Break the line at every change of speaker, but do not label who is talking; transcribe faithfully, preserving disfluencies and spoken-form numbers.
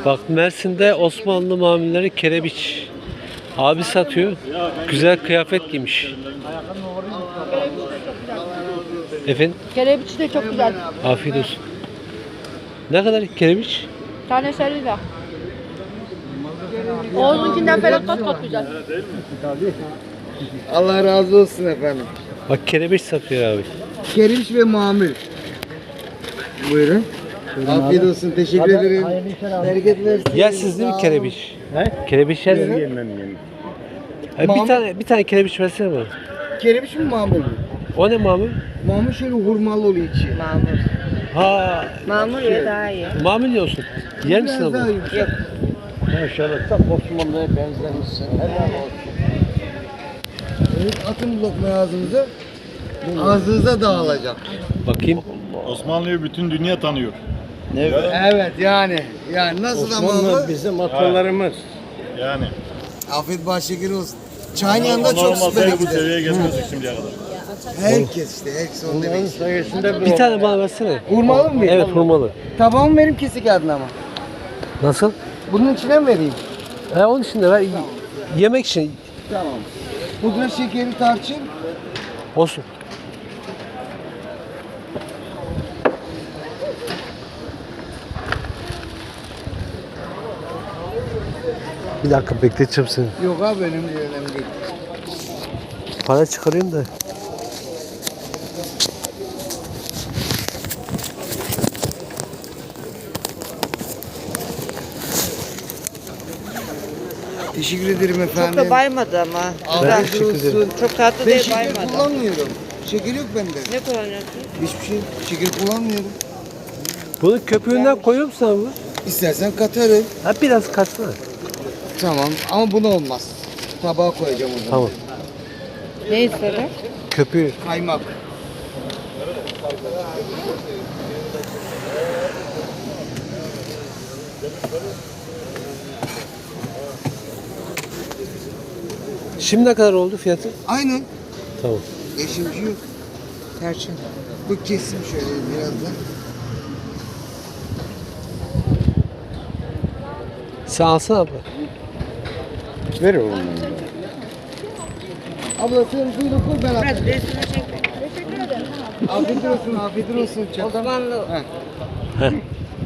Bak Mersin'de Osmanlı mamulleri kerebiç. Abi satıyor. Güzel kıyafet giymiş. Efendim?
Kerebiç de çok güzel.
Afiyet olsun. Ne kadar kerebiç?
Tanesi elli lira. Oğuz'unkinden falan kat kat güzel.
Allah razı olsun efendim.
Bak kerebiç satıyor abi.
Keriş ve mamul. Buyurun. Afiyet olsun. Teşekkür ederim. Bereket versin.
Yersiniz değil mi kerebiç? He? Kerebiç yersiniz.
Yemem
yemem. Bir tane bir tane kerebiç versene bana.
Keriş mi mamul mu?
O ne mamul?
Mamul şöyle hurmalı oluyor içi.
Mamur.
Ha,
Mamur ya daha iyi.
mamul yiyorsun. Yer misin
Biraz daha
abi?
yumuşak.
Yok.
Maşallah tam Osmanlı'ya benzemişsin. Helal olsun. Evet, atın bu lokmayı ağzınıza. Ağzınıza dağılacak.
Bakayım.
Osmanlı'yı bütün dünya tanıyor.
Evet yani. Yani nasıl ama bu?
Bizim atalarımız.
Yani.
Afiyet bahşekir olsun. Çayın yanında
Onlar
çok
olmasaydı
süper
bu
gider.
seviyeye gelmezdik şimdiye kadar.
Herkes işte. Herkes onu demek istiyor.
Sayesinde
Bir tane bana versene.
Hurmalı mı?
Evet hurmalı.
Tabağımı vereyim kesik adına ama.
Nasıl?
Bunun içine mi vereyim?
He onun için de ver. Yemek için
Tamam. Pudra şekeri tarçın.
olsun. Bir dakika bekleteceğim seni.
Yok abi önemli değil, önemli değil.
Para çıkarayım da.
Teşekkür ederim efendim.
Çok da baymadı ama.
Afiyet
teşekkür ederim.
olsun.
Çok tatlı
Ben
değil,
şeker
baymadı.
kullanmıyorum. Şeker yok bende.
Ne kullanıyorsun?
Hiçbir şey. Şeker kullanmıyorum.
Bunun köpüğünden koyuyor musun abi?
İstersen katarım.
Ha biraz katsana.
Tamam ama bunu olmaz. Tabağa koyacağım o zaman.
Tamam.
Ne istedin?
Köpüğü.
Kaymak.
Şimdi ne kadar oldu fiyatı?
Aynen.
Tamam.
Eşim bir şey yok. Tarçın. Bu kesim şöyle biraz da.
Sen alsana abla.
Ver oğlum.
Abla sen suyunu koy ben
Biraz
atayım.
resmini çek. Teşekkür ederim.
Afiyet olsun, afiyet olsun. Çatal.
Osmanlı.
Heh.
Heh.